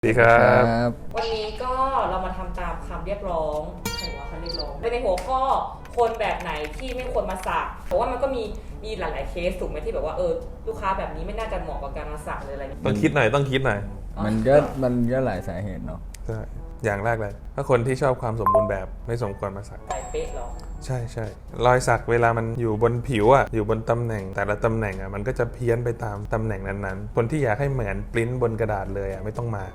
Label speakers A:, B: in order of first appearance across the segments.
A: ดีครับ
B: วันนี้ก็เรามาทำตามคำเรียกร้องใครว่าคำเรียกร้องในหัวข้อคนแบบไหนที่ไม่ควรมาสักเพราะว่ามันก็มีหลายๆเคสถูกไหมที่แบบว่าลูกค้าแบบนี้ไม่น่าจะเหมาะกับการมาสักเลยอะไร
A: ต้องคิดหน่อย
C: มันก็หลายสาเหตุเนาะ
A: ใช่อย่างแรกเลยถ้าคนที่ชอบความสมบูรณ์แบบไม่สมควรมาสัก
B: ใส่เป๊ะหรอ
A: ใช่รอยสักเวลามันอยู่บนผิวอ่ะอยู่บนตำแหน่งแต่ละตำแหน่งอ่ะมันก็จะเพี้ยนไปตามตำแหน่งนั้นๆคนที่อยากให้เหมือนปริ้นบนกระดาษเลยอ่ะไม่ต้องมา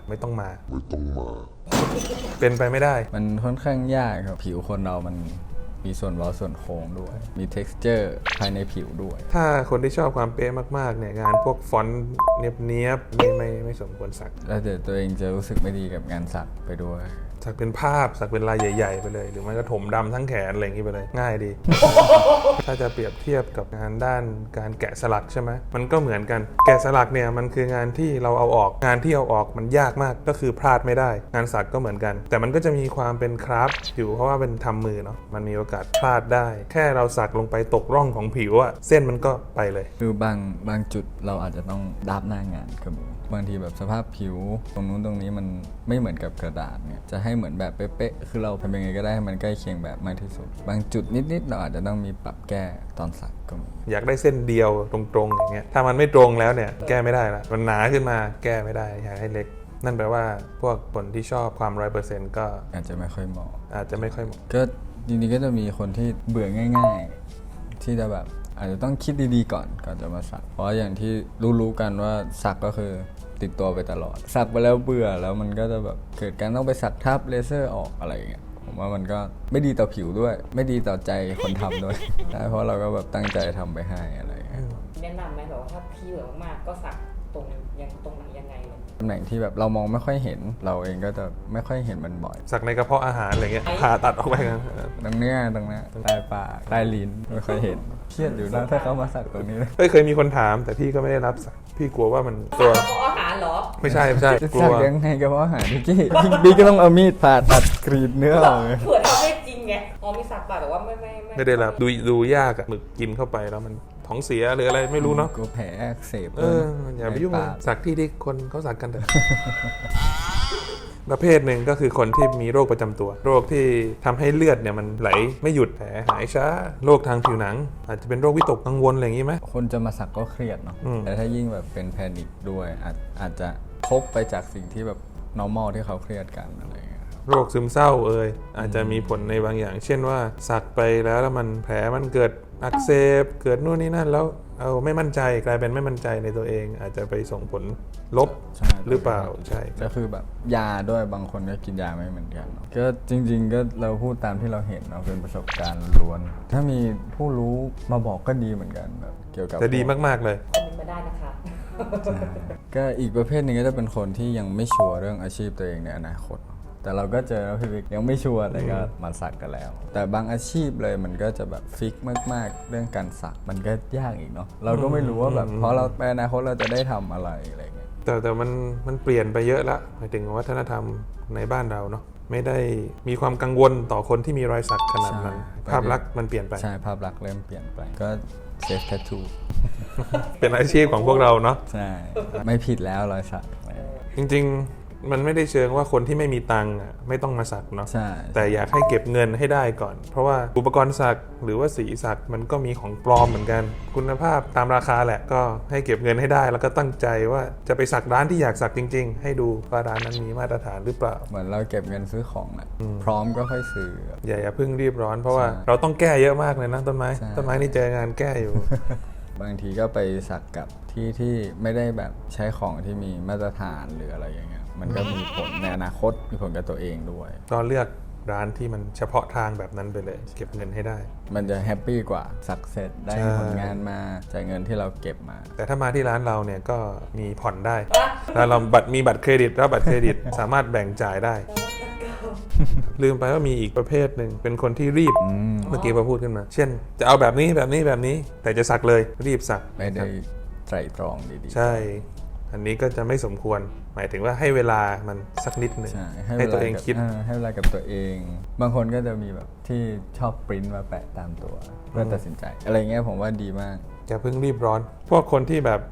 A: เป็นไปไม่ได้
C: มันค่อนข้างยากครับผิวคนเรามันมีส่วนเว้าส่วนโค้งด้วยมี texture ภายในผิวด้วย
A: ถ้าคนที่ชอบความเป๊ะมากๆเนี่ยงานพวกฟอนต์เนียบๆไม่สมควรสัก
C: แล้วเดี๋ยวตัวเองจะรู้สึกไม่ดีกับงานสักไปด้วย
A: สักเป็นภาพสักเป็นลายใหญ่ๆไปเลยหรือไม่ก็ถมดำทั้งแขนอะไรอย่างนี้ไปเลยง่ายดี ถ้าจะเปรียบเทียบกับงานด้านการแกะสลักใช่ไหมมันก็เหมือนกันแกะสลักเนี่ยมันคืองานที่เราเอาออกงานที่เอาออกมันยากมากก็คือพลาดไม่ได้งานสักก็เหมือนกันแต่มันก็จะมีความเป็นคราฟต์อยู่เพราะว่าเป็นทำมือเนาะมันมีโอกาสพลาดได้แค่เราสักลงไปตกร่องของผิวอะเส้นมันก็ไปเลย
C: คือบางจุดเราอาจจะต้องดับหน้างานก็มีบางทีแบบสภาพผิวตรงนู้นตรงนี้มันไม่เหมือนกับกระดาษเนี่ยจะให้เหมือนแบบเป๊ะๆคือเราทำยังไงก็ได้ให้มันใกล้เคียงแบบมากที่สุดบางจุดนิดๆเราอาจจะต้องมีปรับแก้ตอนสักก็มี
A: อยากได้เส้นเดียวตรงๆอย่างเงี้ยถ้ามันไม่ตรงแล้วเนี่ยแก้ไม่ได้ละมันหนาขึ้นมาแก้ไม่ได้อยากให้เล็กนั่นแปลว่าพวกคนที่ชอบความ 100% ก็
C: อาจจะไม่ค่อยเหมาะก็จริงๆก็จะมีคนที่เบื่อง่ายๆที่จะแบบอาจจะต้องคิดดีๆก่อนจะมาสักเพราะอย่างที่รู้กันว่าสักก็คือติดตัวไปตลอดสักไปแล้วเบื่อแล้วมันก็จะแบบเกิดการต้องไปสักทับเลเซอร์ออกอะไรอย่างเงี้ยผมว่ามันก็ไม่ดีต่อผิวด้วยไม่ดีต่อใจคนทำด้วย เพราะเราก็แบบตั้งใจทำไปให้อะไรอย่างเงี้ย
B: แนะนำไหมแบบว่าถ้าพี่เบื่อมากๆก็สักตรงไหนยังไง
C: ตำแหน่งที่แบบเรามองไม่ค่อยเห็นเราเองก็จะไม่ค่อยเห็นมันบ่อย
A: สักในกระเพาะอาหารอะไรเงี้ยผ่าตัดออกไปกัน
C: ตรงเนี้ยใต้ปากใต้ลิ้นไม่ค่อยเห็นเครียดอยู่นะถ้าเขามาสักตรงนี้
A: เคยมีคนถามแต่พี่ก็ไม่ได้รับสักพี่กลัวว่ามันตัว
B: กระเพาะอาหารเหรอ
A: ไม่ใช่
C: กลัวยังไงกระเพาะอาหารพี่ก็ต้องเอามีดผ่าตัดกรีดเนื้อเลย
B: เผื่อทำได้จริงไงมีสักปากแต่ว่า
A: ไม่ได้รับดูยากอะหมึกกินเข้าไปแล้วมันท้องเสียหรืออะไรไม่รู้เนาะ
C: ก็แผลอักเสบ
A: อย่าไปยุ่งสักที่คนเขาสักกันเถอะประเภทหนึ่งก็คือคนที่มีโรคประจำตัวโรคที่ทำให้เลือดเนี่ยมันไหลไม่หยุดแผลหายช้าโรคทางผิวหนังอาจจะเป็นโรควิตกกังวลอะไรอย่างนี้ไหม
C: คนจะมาสักก็เครียดเนาะแต่ถ้ายิ่งแบบเป็นแพนิคด้วยอาจจะทบไปจากสิ่งที่แบบ normal ที่เขาเครียดกันอะไรอย่างเงี้ย
A: โรคซึมเศร้าอาจจะมีผลในบางอย่างเช่นว่าสักไปแล้วมันแผลมันเกิดอักเสบเกิดนู่นนี่นั่นแล้วไม่มั่นใจกลายเป็นไม่มั่นใจในตัวเองอาจจะไปส่งผลลบหรือเปล่าใช่
C: ก็คือแบบยาด้วยบางคนก็กินยาไม่เหมือนกันก็จริงๆก็เราพูดตามที่เราเห็นเราเป็นประสบการณ์ล้วนถ้ามีผู้รู้มาบอกก็ดีเหมือนกันแบบเกี่ยวกับ
A: จะดีมากๆเลย
B: คอมเมนต์มาได้นะคะ
C: ก็อีกประเภทหนึ่งก็จะเป็นคนที่ยังไม่ชัวร์เรื่องอาชีพตัวเองในอนาคตแต่เราก็เจอพี่วิกยังไม่ชัวร์แต่ก็มาสักกันแล้วแต่บางอาชีพเลยมันก็จะแบบฟิกมากๆเรื่องการสักมันก็ยากอีกเนาะเราก็ไม่รู้ว่าแบบเพราะเราไปอนาคตเราจะได้ทำอะไรเงี้ย
A: แต่มันเปลี่ยนไปเยอะละหมายถึงวัฒนธรรมในบ้านเราเนาะไม่ได้มีความกังวลต่อคนที่มีรอยสักขนาดนั้นภาพลักษณ์มันเปลี่ยนไป
C: ใช่ภาพลักษณ์เริ่มเปลี่ยนไปก็เซฟแทททู
A: เป็นอาชีพของพวกเราเนาะ
C: ใช่ไม่ผิดแล้วรอยสัก
A: จริงๆมันไม่ได้เชิงว่าคนที่ไม่มีตังค์ไม่ต้องมาสักเนาะแต่อยากให้เก็บเงินให้ได้ก่อนเพราะว่าอุปกรณ์สักหรือว่าสีสักมันก็มีของปลอมเหมือนกันคุณภาพตามราคาแหละก็ให้เก็บเงินให้ได้แล้วก็ตั้งใจว่าจะไปสักร้านที่อยากสักจริงๆให้ดูว่าร้านนั้นมีมาตรฐานหรือเปล่า
C: เหมือนเราเก็บเงินซื้อของแหละพร้อมก็ค่อยซื้อ
A: อย่าเพิ่งรีบร้อนเพราะว่าเราต้องแก้เยอะมากเลยนะต้นไม้นี่เจองานแก้อยู่
C: บางทีก็ไปสักกับที่ไม่ได้แบบใช้ของที่มีมาตรฐานหรืออะไรอย่างเงี้ยมันก็มีผลในอนาคตมีผลกับตัวเองด้วย
A: ก็เลือกร้านที่มันเฉพาะทางแบบนั้นไปเลยเก็บเงินให้ได้
C: มันจะแฮปปี้กว่าสักเสร็จได้ผลงานมาจ่ายเงินที่เราเก็บมา
A: แต่ถ้ามาที่ร้านเราเนี่ยก็มีผ่อนได้แล้วเรามีบัตรเครดิตแล้วบัตรเครดิตสามารถแบ่งจ่ายได้ลืมไปว่ามีอีกประเภทหนึ่งเป็นคนที่รีบเมื่อกี้พอพูดขึ้นมาเช่นจะเอาแบบนี้แต่จะสักเลยรีบสัก
C: ไม่ได้ไตร่ตรองดี
A: ๆใช่อันนี้ก็จะไม่สมควรหมายถึงว่าให้เวลามันสักนิดหนึ่งให้ตัวเองคิด
C: ให้เวลากับตัวเองบางคนก็จะมีแบบที่ชอบปริ้นมาแปะตามตัวเพื่อตัดสินใจอะไรเงี้ยผมว่าดีมาก
A: อย่าเพิ่งรีบร้อนพวกคนที่แบบ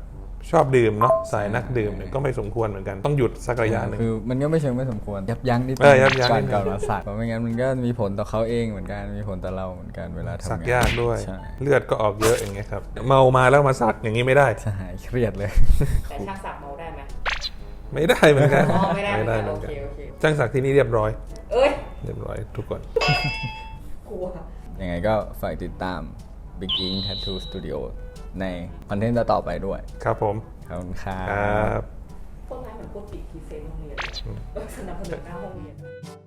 A: ชอบดื่มเนาะสายนักดื่มเนี่ยก็ไม่สมควรเหมือนกันต้องหยุดสักระยะหนึ่ง
C: คือมันก็ไม่เชิงไม่สมควรยับยั้งนิด
A: ยับยั้ง
C: ก่อ
A: นิ
C: น
A: ดนึง
C: ก่อนมาสักเพราะไม่งั้นมันก็มีผลต่อเขาเองเหมือนกันมีผลต่อเราเหมือนกันเวลาทำงาน
A: สักยากด้วย
C: ใช่
A: เลือดก็ออกเยอะอย่างเงี้ยครับเมามาแล้วมาสักอย่างนี้ไม่ได้
C: ใช่เครียดเลย
B: แต่ช่างสักเมาได้ไหม
A: ไม่ได้เหมือนกัน
B: อ๋อไม่ได้เหมือนกัน
A: เหมื
B: โอ
A: อน
B: เค
A: กัน
B: โอเค
A: จ้างสักที่นี่เรียบร้อย
B: เอ้ย
A: เรียบร้อยทุกคน
B: กลัว
C: ยังไงก็ฝากติดตาม Big Ink Tattoo Studio ในคอนเทนต์ต่อๆไปด้วย
A: ครับผม
C: ขอบคุณครั
A: ครับ บ
B: ต้นไม้เหมือนพูดปิดพรีเซนต์โรงเรียนเลยสนับสนุนหน้าโรงเรียน